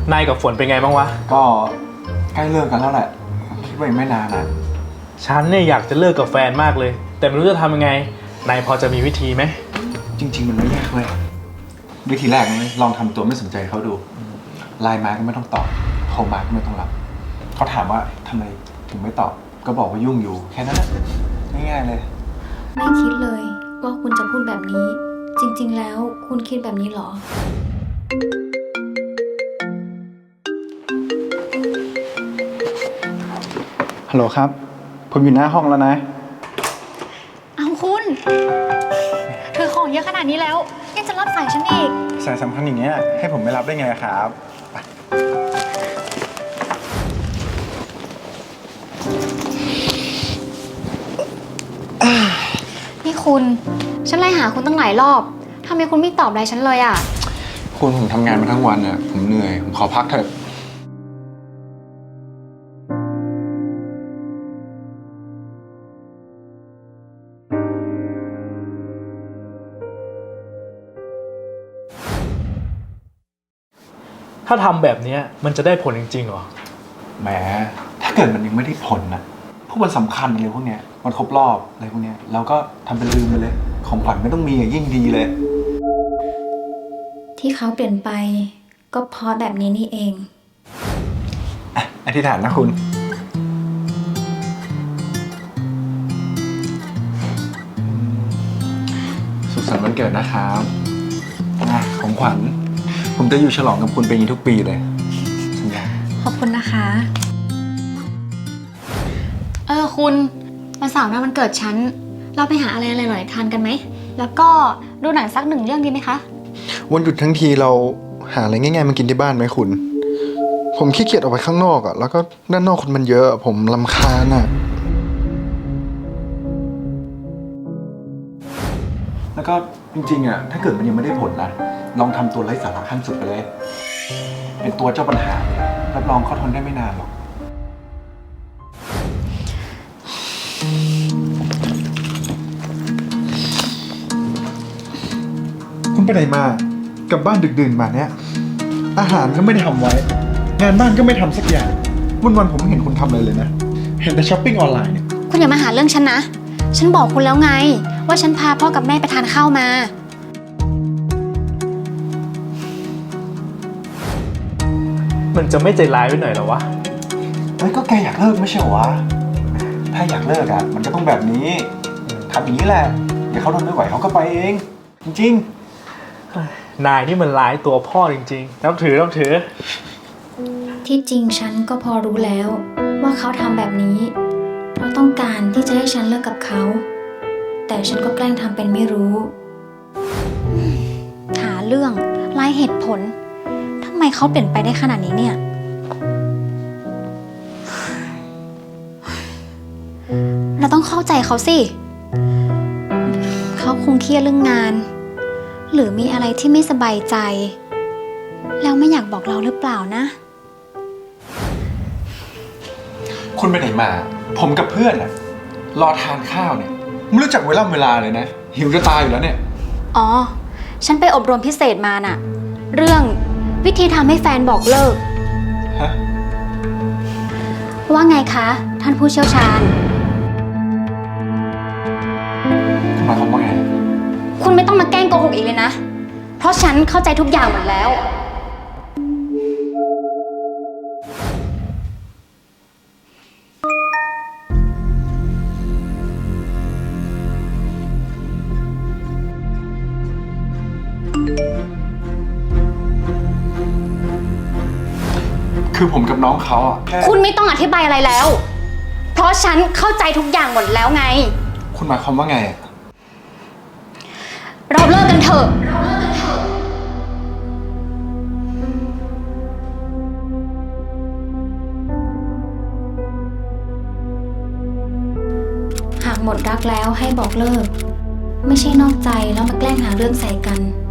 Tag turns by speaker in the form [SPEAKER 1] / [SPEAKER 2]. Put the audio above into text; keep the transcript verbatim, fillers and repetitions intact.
[SPEAKER 1] นายกับฝนเป็นไงบ้างวะ
[SPEAKER 2] ก็ใกล้เลิกกันแล้วแหละคิดว่าอีกไม่นานนะ
[SPEAKER 1] ฉันเนี่ยอยากจะเลิกกับแฟนมากเลยแต่ไม่รู้จะทำยังไงนายพอจะมีวิธีไหม
[SPEAKER 2] จริงๆมันไม่ยากเลยวิธีแรกเลยลองทำตัวไม่สนใจเขาดูไลน์มาก็ไม่ต้องตอบโทรมาก็ไม่ต้องรับเขาถามว่าทำไมถึงไม่ตอบก็บอกว่ายุ่งอยู่แค่นั้นแหละง่ายๆเลย
[SPEAKER 3] ไม่คิดเลยว่าคุณจะพูดแบบนี้จริงๆแล้วคุณคิดแบบนี้เหรอ
[SPEAKER 2] ฮัลโหลครับผมอยู่หน้าห้องแล้วนะ
[SPEAKER 3] เอาคุณถือของเยอะขนาดนี้แล้วยังจะรับสายฉันอีก
[SPEAKER 2] สายสำคัญอย่างเงี้ยให้ผมไม่รับได้ไงครับ
[SPEAKER 3] นี่คุณฉันไล่หาคุณตั้งหลายรอบทำไมคุณไม่ตอบอะไรฉันเลยอ่ะ
[SPEAKER 2] คุณผมทำงานมาทั้งวันอ่ะผมเหนื่อยผมขอพักเถอะ
[SPEAKER 1] ถ้าทำแบบนี้มันจะได้ผลจริงๆหรอ
[SPEAKER 2] แหมถ้าเกิดมันยังไม่ได้ผลนะพวกมันสำคัญอะไรพวกเนี้ยมันครบรอบอะไรพวกเนี้ยเราก็ทำเป็นลืมไปเลยของขวัญไม่ต้องมีอ่ะยิ่งดีเลย
[SPEAKER 3] ที่เขาเปลี่ยนไปก็เพราะแบบนี้นี่เอง
[SPEAKER 2] อธิษฐานนะคุณสุขสันต์วันเกิดนะครับของขวัญผมจะอยู่ฉลองกับคุณเป็นอย่างนี้ทุกปีเลยสัญญา
[SPEAKER 3] ขอบคุณนะคะเออคุณวันเสาร์หน้าวันเกิดฉันเราไปหาอะไรอร่อยๆทานกันไหมแล้วก็ดูหนังสักหนึ่งเรื่องดีไหมคะ
[SPEAKER 2] วันหยุดทั้งทีเราหาอะไรง่ายๆมากินที่บ้านไหมคุณผมขี้เกียจออกไปข้างนอกอ่ะแล้วก็ด้านนอกคนมันเยอะผมรำคาญอ่ะแล้วก็จริงๆอ่ะถ้าเกิดมันยังไม่ได้ผลนะลองทำตัวไร้สาระขั้นสุดไปเลยเป็นตัวเจ้าปัญหารับรองเขาทนได้ไม่นานหรอกคุณไปไหนมากลับบ้านดึกดื่นมาเนี้ยอาหารก็ไม่ได้ทำไว้งานบ้านก็ไม่ทำสักอย่างวันวันผมไม่เห็นคุณทำอะไรเลยนะเห็นแต่ช้อปปิ้งออนไลน์เนี่ย
[SPEAKER 3] คุณอย่ามาหาเรื่องฉันนะฉันบอกคุณแล้วไงว่าฉันพาพ่อกับแม่ไปทานข้าวมา
[SPEAKER 1] มันจะไม่ใจร้ายไปหน่อยหรอวะ
[SPEAKER 2] เฮ้ยก็แกอยากเลิกไม่ใช่เหรอวะถ้าอยากเลิกอ่ะมันก็ต้องแบบนี้ทำอย่างนี้แหละเดี๋ยวเขาทนไม่ไหวเขาก็ไปเองจริง
[SPEAKER 1] ๆนายนี่มันร้ายตัวพ่อจริงๆนับถือนับถือ
[SPEAKER 3] ที่จริงฉันก็พอรู้แล้วว่าเขาทำแบบนี้เพราะต้องการที่จะให้ฉันเลิกกับเขาแต่ฉันก็แกล้งทำเป็นไม่รู้หาเรื่องไล่เหตุผลทำไมเขาเปลี่ยนไปได้ขนาดนี้เนี่ยเราต้องเข้าใจเขาสิเขาคงเครียดเรื่องงานหรือมีอะไรที่ไม่สบายใจแล้วไม่อยากบอกเราหรือเปล่านะ
[SPEAKER 2] คุณไปไหนมาผมกับเพื่อนอะรอทานข้าวเนี่ยไม่รู้จักเวลาเวลาเลยนะหิวจะตายอยู่แล้วเนี่ย
[SPEAKER 3] อ๋อฉันไปอบรมพิเศษมาน่ะเรื่องวิธีทำให้แฟนบอกเลิกฮะว่าไงคะท่านผู้เชี่ยวชาญ
[SPEAKER 2] หมายความว่าไง
[SPEAKER 3] คุณไม่ต้องมาแกล้งโกหกอีกเลยนะเพราะฉันเข้าใจทุกอย่างหมดแล้ว
[SPEAKER 2] คือผมกับน้องเขาอ่ะ
[SPEAKER 3] คุณไม่ต้องอธิบายอะไรแล้วเพราะฉันเข้าใจทุกอย่างหมดแล้วไง
[SPEAKER 2] คุณหมายความว่าไง
[SPEAKER 3] เราเลิกกันเถอะหากหมดรักแล้วให้บอกเลิกไม่ใช่นอกใจแล้วมาแกล้งหาเรื่องใส่กัน